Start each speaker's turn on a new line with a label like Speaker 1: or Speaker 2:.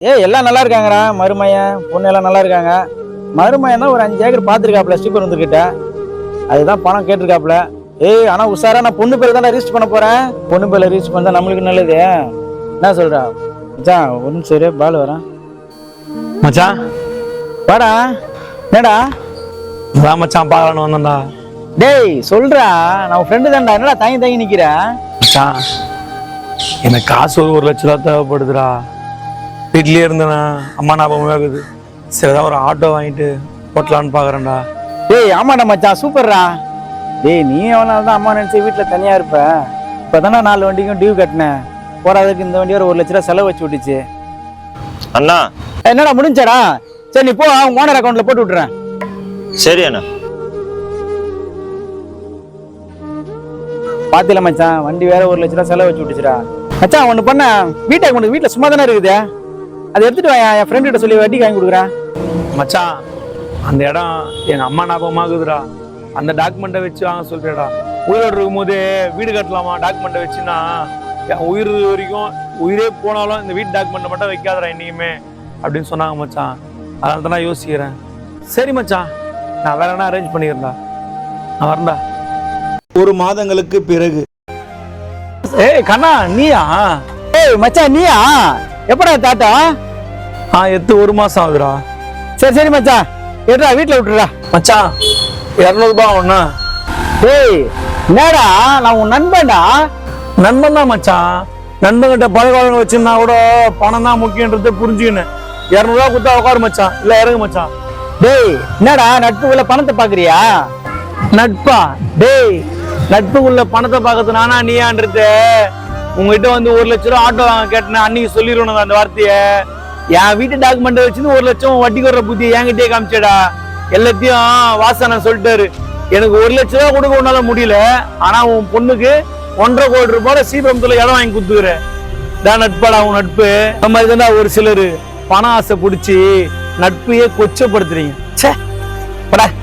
Speaker 1: எல்லாம் நல்லா இருக்காங்கடா. மருமையன் பொண்ணு எல்லாம் நல்லா இருக்காங்க. மருமையன் தான் ஒரு 5 ஏக்கர் பார்த்துருக்காப்புல ஸ்ரீபர் வந்துக்கிட்ட. அதுதான் பணம் கேட்டிருக்காப்புல. ஆனா உஷாரா, நான் பொண்ணு பேர் தான் ரிஜிஸ்டர் பண்ண போறேன். பொண்ணு பேர்ல ரிஜிஸ்டர் பண்ணா நம்மளுக்கு நல்லது. என்ன சொல்றா மச்சான்? ஒரு நிமிஷம் சரி, பால் வரேன்
Speaker 2: மச்சான்.
Speaker 1: வாடா. என்னடா
Speaker 2: மச்சான் பார்க்கலான்னு வந்தேன்டா.
Speaker 1: டேய் சொல்றா, நான் ஃப்ரெண்டு தான்டா. என்னடா தங்கி நிக்கிற?
Speaker 2: மச்சான், எனக்கு காசு ஒரு 1 லட்ச ரூபா தேவைப்படுதுடா. வீட்லயே இருந்தேண்ணா, அம்மா ஞாபகமே ஆகுது. சரிதான் ஒரு ஆட்டோ வாங்கிட்டு போட்டலான்னு பாக்குறேன்டா.
Speaker 1: டேய் ஆமாடா மச்சான், சூப்பர்ரா. டேய் நீ எவ்வளவு தான் அம்மா நினைச்சு வீட்டுல தனியா இருப்ப. இப்பதானே 4 வண்டிக்கும் டியூ கட்டினேன். போறாதுக்கு இந்த வண்டி ஒரு 1 லட்ச ரூபா செலவு வச்சு விட்டுச்சு.
Speaker 3: அண்ணா
Speaker 1: என்னடா முடிஞ்சாடா? சரி நீ போ, ஓனர் அக்கௌண்ட்ல போட்டு விட்டுறேன்.
Speaker 3: சரி அண்ணா.
Speaker 1: பாத்தில மச்சான், வண்டி வேற 1 லட்ச ரூபா செலவு வச்சு விட்டுச்சுடா. மச்சான் ஒண்ணு பண்ண, வீட்டுல சும்மா தானே இருக்குது, அதை எடுத்துட்டு வா. என் ஃப்ரெண்ட் கிட்ட சொல்லி வட்டிக்கு வாங்கி கொடுக்குறேன்.
Speaker 2: மச்சான், அந்த இடம் எங்க அம்மா ஞாபகமாகுதுடா. அந்த டாக்குமெண்ட்டை வச்சு வாங்க சொல்றேடா. உயிரோடு இருக்கும் போதே வீடு கட்டலாமா டாக்குமெண்ட்டை வச்சுன்னா, என் உயிர் வரைக்கும் உயிரே போனாலும் இந்த வீட்டு டாக்குமெண்ட்டை மட்டும் வைக்காதடா என்னைக்குமே அப்படின்னு சொன்னாங்க மச்சான். அதனால தான் நான் யோசிக்கிறேன். சரி மச்சான், நான் வேற என்ன அரேஞ்ச் பண்ணிக்கிறேன்டா. நான் வரேன்டா.
Speaker 4: 1 மாதங்களுக்கு பிறகு.
Speaker 2: கண்ணா நீயா?
Speaker 1: மச்சான் நீயா? எப்படா தாத்தா?
Speaker 2: எத்து 1 மாசம் ஆகுதுடா.
Speaker 1: சரி மச்சான், எடுறா வீட்டுல விட்டுறா.
Speaker 2: மச்சான் 200 ரூபாய் ஒண்ணா?
Speaker 1: டேய் என்னடா, நான் உன் நண்பன்டா.
Speaker 2: நண்பன் தான் மச்சான். நண்பன்கிட்ட பழக வச்சிருந்தா கூட பணம் தான் முக்கியன்றதை புரிஞ்சுக்கினேன். 200 ரூபாய் கொடுத்தா உட்காரு மச்சான், இல்ல இறங்கு மச்சான்.
Speaker 1: டேய் என்னடா நட்புக்குள்ள பணத்தை பாக்குறியா?
Speaker 2: நட்பா? டேய் நட்புக்குள்ள பணத்தை பார்க்கறது நானா நீயான்றது? உங்ககிட்ட வந்து 1 லட்ச ரூபா ஆட்டோ வாங்க கேட்டேன், அன்னைக்கு சொல்லிடணும் அந்த வார்த்தைய. என் வீட்டு டாக்குமெண்ட் வச்சு 1 லட்சம் வட்டி வர்ற புத்தி என்கிட்டயே காமிச்சேடா. எல்லாத்தையும் வாசனை சொல்லிட்டாரு. எனக்கு 1 லட்ச ரூபா கொடுக்க உன்னால முடியல, ஆனா உன் பொண்ணுக்கு 1.5 கோடி ரூபாய் ஸ்ரீபுரத்துல இடம் வாங்கி கொடுத்துக்கிற. தான் நட்பாடா உன் நட்பு. அந்த மாதிரி தான்டா ஒரு சிலரு பண ஆசை பிடிச்சி நட்பையே கொச்சப்படுத்துறீங்க. சே படா.